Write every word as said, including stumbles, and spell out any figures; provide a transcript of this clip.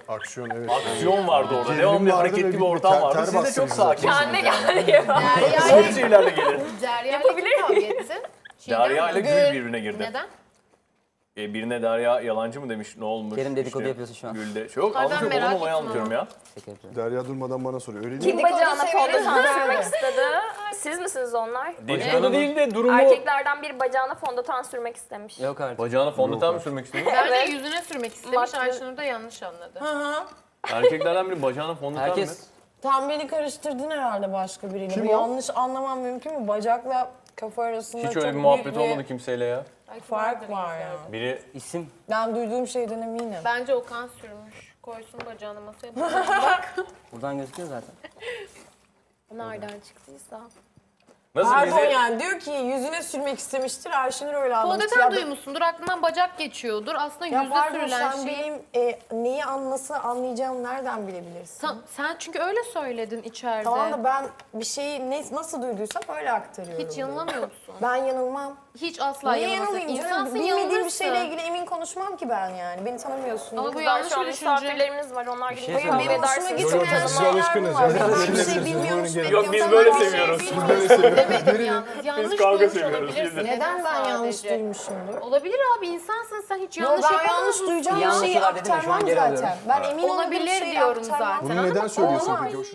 Aksiyon evet. Aksiyon vardı orada. Gerilim Devamlı vardı hareketli ve bir bir ortam ter- vardı. ter Siz de bastı çok bizi. sakinsiniz. Kendine yani. gel ya. Soğuk şeylerle gelin. Derya Yapabilir ile kavga ettin. Çiğdem Derya mi? ile Gül birbirine girdi. Neden? E, birine Derya yalancı mı demiş, ne olmuş? Kerim dedikodu yapıyorsun şu an. Gül'de. Yok, Ay, ben anlatıyorum, merak olan olayı ettim anlatıyorum ama. ya. Şaka yapıyorum. Derya durmadan bana soruyor. Öyle değil Kim mi? bacağına severiz. fondöten sürmek istedi? Siz misiniz onlar? Dedikodu değil de durumu... Erkeklerden biri bacağına fondöten sürmek istemiş. Yok artık. Bacağına fondöten Yok mi artık. sürmek istiyor? Bence Evet. yüzüne sürmek istemiş. Makyaj- Ayşenur da yanlış anladı. Erkeklerden biri bacağına fondöten mi? Herkes Tam beni karıştırdın herhalde başka biriyle. Kim Bu o? yanlış anlamam mümkün mü? Bacakla kafa arasında Hiç çok öyle bir büyük muhabbet bir olmadı kimseyle ya. fark var ya. Biri isim. Ben duyduğum şeyden eminim. Bence Okan sürmüş. Koysun bacağını masaya. Buradan gözüküyor zaten. Nereden çıktıysa. nasıl Pardon bize... yani diyor ki yüzüne sürmek istemiştir. Ayşenur öyle anlamış. Fondöten Ya ben- duymuşsundur. Aklından bacak geçiyordur. Aslında Ya yüzde pardon sürülen sen şey. benim e, neyi an, nasıl anlayacağımı nereden bilebilirsin? Sen, sen çünkü öyle söyledin içeride. Tamam da ben bir şeyi ne, nasıl duyduysam öyle aktarıyorum. Hiç yanılamıyor musun? Ben yanılmam. Hiç asla Niye yanılmazsın. yanılayım canım? İnsansın, Bilmediğim bir yanılırsın. şeyle ilgili emin konuşmam ki ben yani. Beni tanımıyorsun. Ama bu Kızlar, yanlış şu an bir düşünce. misafirlerimiz var. Onlar gibi şey kavga söyleyeyim. Benim hoşuma edersiniz. gitmeyen Biz şeyler alışkınız mi var? ya. Ben bir Şimdi şey siz bilmiyormuş. buyurun gelin. Yok, biz böyle seviyoruz. Demedim yalnız. Yanlış kavga duymuş seviyoruz, olabilirsin. biz de. Neden ben yanlış Sadece. duymuşumdur? Olabilir abi, insansın sen, hiç Yo, yanlış ben yapamaz yanlış mısın? duyacağım bir Yanlış şeyi var dedim ya, şu an aktarmam geri zaten. alıyorum. Ben emin olmadığım Olabilir şeyi diyorum aktarmam. zaten. Bunu neden söylüyorsun Olmaz. peki? O